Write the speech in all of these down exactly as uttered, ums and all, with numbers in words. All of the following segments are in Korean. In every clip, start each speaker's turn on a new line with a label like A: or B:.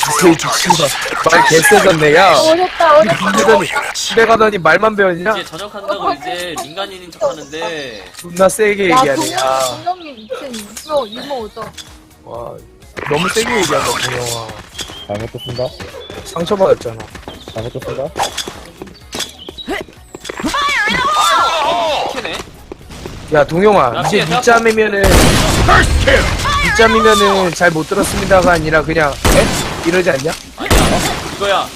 A: 새끼 씨발 말 개쎄졌네. 야
B: 어렵다 어렵다.
A: 그러더니 집에 가더니 말만 배웠냐?
C: 이제 전역한다고 이제 민간인인 척하는데
A: 존나 세게
B: 야
A: 얘기하네. 야,
B: 동영 동영님 이층 이모 이모 오죠.
A: 와 너무 세게 얘기한다 동영아.
D: 잘못했습니다.
A: 상처받았잖아.
D: 잘못했습니다.
C: 캐네.
A: 야 동영아
C: 야,
A: 이제
C: 피해,
A: 밑잠이면은 밑잠이면은 잘 못 들었습니다가 아니라 그냥 에? 이러지 않냐?
C: 아니야 이거야.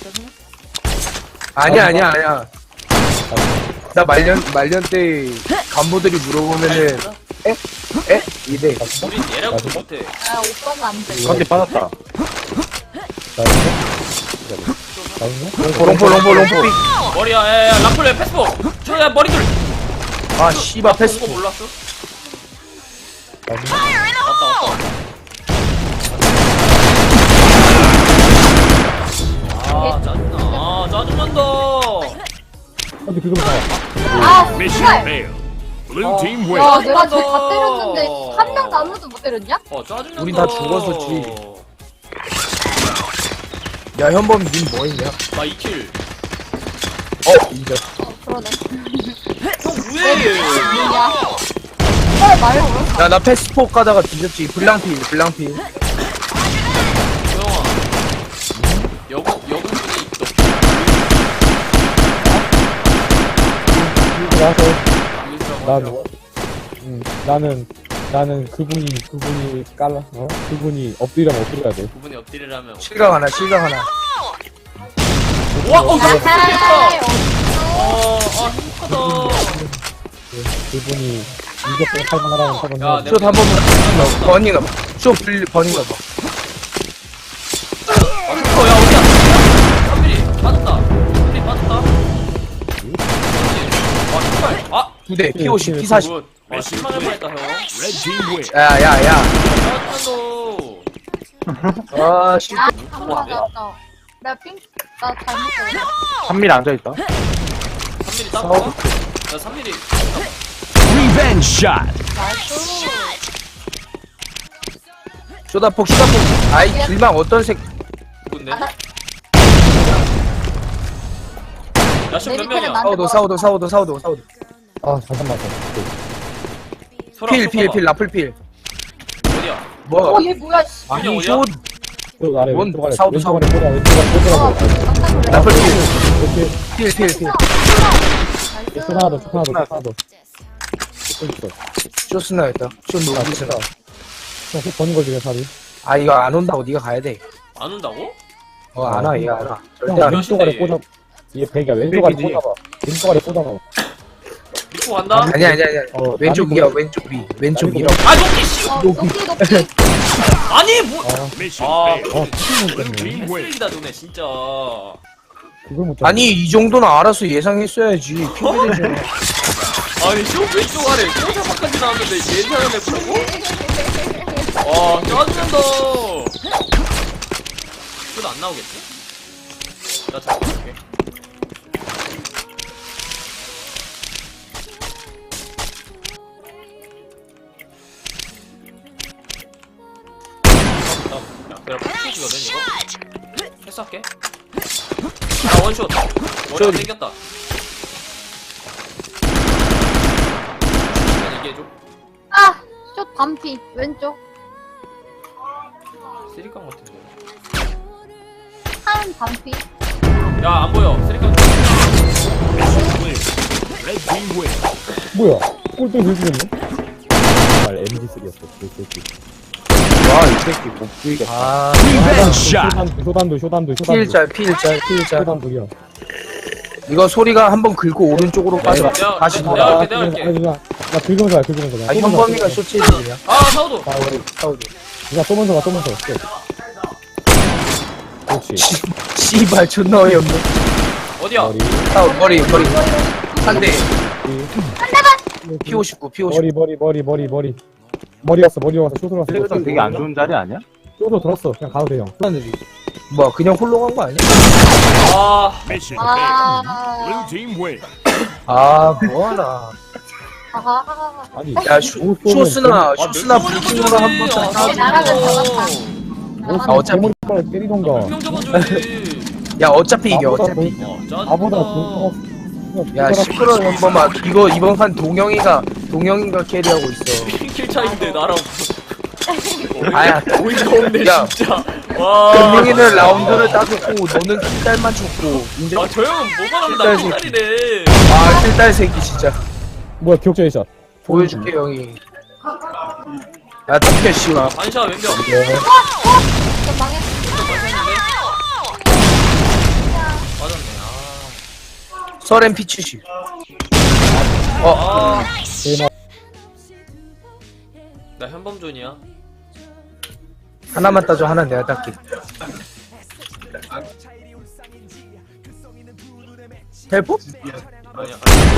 A: 아니야 아니야 아니야. 나 말년 말년 때 간부들이 물어보면은 에? 에? 이래.
C: 우린 얘라고도 못해.
B: 아 오빠는 안 돼.
D: 관계 빠졌다. 나이스. 나이스.
A: 롱포 롱포 롱포 삑.
C: 머리야 야야 라플레 패스포. 저야 머리들.
A: 아 씨발 패스.
C: 거 몰랐어?
D: 나이스.
C: 왔다 왔다. 아 짜증나. 아 짜증난다.
D: 근데 그거 봐.
B: 아
E: Mission
B: 씨발.
E: failed. Blue team win.
B: 야 내가 쟤 다
C: 아.
B: 때렸는데 한 명도 아무도 못 때렸냐?
C: 어 짜증난다.
A: 우린 다 죽었었지. 야 현범 님 뭐했냐?
C: 나 이 킬.
A: 어 인정.
B: 어 그러네.
C: 형 뭐해?
B: 뭐냐? 빨리 말해.
A: 야 나 패스포 가다가 뒤졌지. 블랑필 블랑필.
C: 조영아. 여군 여군분이 너
D: 나서
C: 민수라고
D: 난
C: 하더라고.
D: 음, 나는 나는 그분이 그분이 깔라 어 그분이 엎드리라면 엎드려야 돼.
C: 그분이 엎드리라면.
A: 실각 하나 실각 하나.
C: 와, 어,
B: 아하.
C: 행복하다. 어, 아, 행복하다.
D: 그, 그분이 이격을 살만하라는
C: 야,
D: 사람은
C: 내-
A: 숏 한 번만 버닝가 봐. 숏 불 버닝가 봐.
C: 어, 야, 어디야? 삼 미리 빠졌다. 삼 미리 빠졌다. 아, 신발. 아,
A: 두 대 피 오십 피 사십.
C: 굿. 아, 실망할 뻔했다, 형.
E: Red team win.
A: 야야야.
C: 짜증난다.
A: 아 씨.
B: 아 맞았다. 나핑나 잘못 때렸어.
D: 한 밀 앉아 있다.
C: 삼 미리 따볼까? 야, 삼 미리.
E: Revenge shot.
B: 나이스.
A: 쇼다폭 쇼다폭. 아이 길망 어떤 색?
C: 누군데?
B: 아,
C: 야, 지금
B: 내
C: 몇
B: 밑에는
C: 명이야?
B: 난-
A: 사우도 사우도 사우도 사우도 사우도.
D: 아 잠깐만.
C: 설아,
A: 필 필
C: 쏘봐봐.
A: 필 라플 필.
C: 어디야?
A: 뭐?
B: 어얘 뭐야? 씨.
A: 아니
C: 어디야?
A: 숏
D: 그 아래
A: 뭔
D: 왼쪽 아래
A: 사우도
D: 왼쪽 아래 보자 왼쪽 아래
B: 어
D: 보자고.
B: 깜짝 놀랐어.
A: 라플 필.
D: 이렇게
A: 필 필 필.
D: 초 하나 더, 초 하나 더, 초 하나 더. 또 있어.
A: 숏 스나였다. 숏
D: 아,
A: 노기 스나.
D: 됐다. 형, 속 버는 거지, 살이.
A: 아 이거 안 온다고 네가 가야 돼.
C: 안 온다고?
A: 어 안 와 얘 안 와.
D: 형,
A: 절대 안 와.
D: 왼쪽 아래 꽂아. 이게 백이야. 왼쪽 아래
A: 백이지.
D: 꽂아봐. 왼쪽 아래 꽂아봐.
C: 믿고 간다?
A: 아니 아니 아니.
D: 어,
A: 왼쪽
D: 나는
A: 위야
D: 뭐-
A: 왼쪽 위 왼쪽
D: 나는
A: 위로.
C: 아, 높이, 씨!
B: 어 높이 높이.
C: 아니, 뭐.
D: 아,
E: Mission
C: 아,
E: failed.
D: 어, 팀은
E: Blue
D: 때문에.
E: team win.
C: 쓰레기다, 너네, 진짜.
D: 그걸 못 잡아.
A: 아니 이 정도는 알아서 예상했어야지. 피해되잖아.
C: 아니, 쇼 왼쪽 아래 쇼사박까지 나왔는데 예상을 해보라고? 와, 짜증난다. 쇼도 안 나오겠지? 나 잡고 올게. 야, 내가 패스지거든 이거? 패스할게. 아, 원쇼. 머리가
A: 쇼리.
C: 땡겼다. 얘기해줘.
B: 아, 저 반피 왼쪽.
C: 쓰리깡 같은데.
B: 한 반피.
C: 야, 안 보여. 쓰리깡.
E: Mission clear. Red team win.
D: 뭐야? 꼴등 들리겠네? 말 엠지 쓰리였어. 그 새끼.
A: 와이 새끼 못 보이겠다. 아
E: Revenge shot.
D: 쇼단도, 쇼단도, 쇼단도, 쇼단도.
A: 필짤 필짤 필짤.
D: 쇼단도야.
A: 이거 소리가 한번 긁고 오른쪽으로 빠져.
C: 내가-
A: 다시
C: 내가-
A: 돌아.
C: 내가 할게.
D: 아니, 누나, 나 긁으면서 가, 긁으면서 가.
A: 아 현범이가 쇼체지 그냥.
C: 아, 사우도.
D: 아, 우리
A: 사우도.
D: 누나 쏘면서 가, 쏘면서 가. 그렇지.
A: 씨발 존나 어이없네.
C: 어디야?
D: 머리,
A: 사우 머리 머리 한 대.
D: 머리,
A: 피 오십구 피 오십구.
D: 머리, 머리, 머리, 머리, 머리. 머리 왔어, 머리 왔어, 쇼트로 왔어.
F: 그래도 되게 안 좋은 자리 아니야?
D: 쇼트로 들었어. 그냥 가도 돼, 형.
A: 하늘이. 뭐야 그냥 홀로 간 거 아니야?
C: 아,
E: Mission failed.
B: 아.
E: Blue team win.
A: 아 뭐하나.
B: 아하.
D: 아니,
A: 야 쇼,
D: 못 쏘면
A: 쇼스나
C: 아,
A: 쇼스나
C: 몇
A: 불킹으로
C: 번을
A: 한번
C: 거지?
A: 딱.
B: 잘하면
C: 아,
B: 잡았다.
D: 뭐,
A: 아, 어차피-
D: 대머리빨 때리던가.
C: 분명 잡아줘야지.
A: 야 어차피 이겨
D: 나보다
A: 어차피
D: 돈-
C: 어, 짜증나.
D: 나보다 돈
A: 야 시끄러워 현범아 이거 이번 판 동영이가 동영이가 캐리하고 있어
C: 킬 차인데 나랑
A: 아야
C: 어이가 없네
A: 야.
C: 진짜. 와.
A: 동영이는 라운드를 따졌고 너는 킬딸만 줬고 인정?
C: 아, 저 형은 뭐만 하면 나
A: 킬딸
C: 킬딸이래.
A: 아 킬딸 새끼 진짜
D: 뭐야 격자의 샷.
A: 보여줄게 형이 야 덮여 씨발
C: 반샷 왼벽.
B: 저 망했어.
C: 맞았네.
A: 서렌 피치시 어
C: 아.
D: 대박.
C: 나 현범존이야.
A: 하나만 따줘 하나 내가 딸게 헬프?
C: 아니야.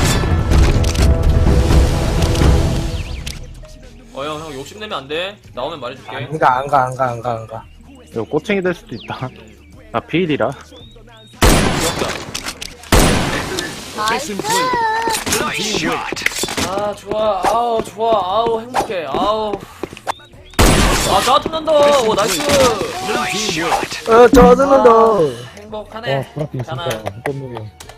C: 어, 형, 형 욕심내면 안 돼. 나오면 말해줄게.
A: 안가 안가 안가 안가 안가
F: 이거 꼬챙이 될 수도 있다. 나 비일이라.
C: 기억자.
B: 나이스.
E: Nice shot.
C: 아, 좋아. 아우, 좋아. 아우, 행복해. 아우. 아, 짜증난다. 오, 나이스.
E: Nice shot.
A: 어 저는 너
C: 행복하네.
D: 와 브라핀 진짜
C: 가나.
D: 헛놈이야.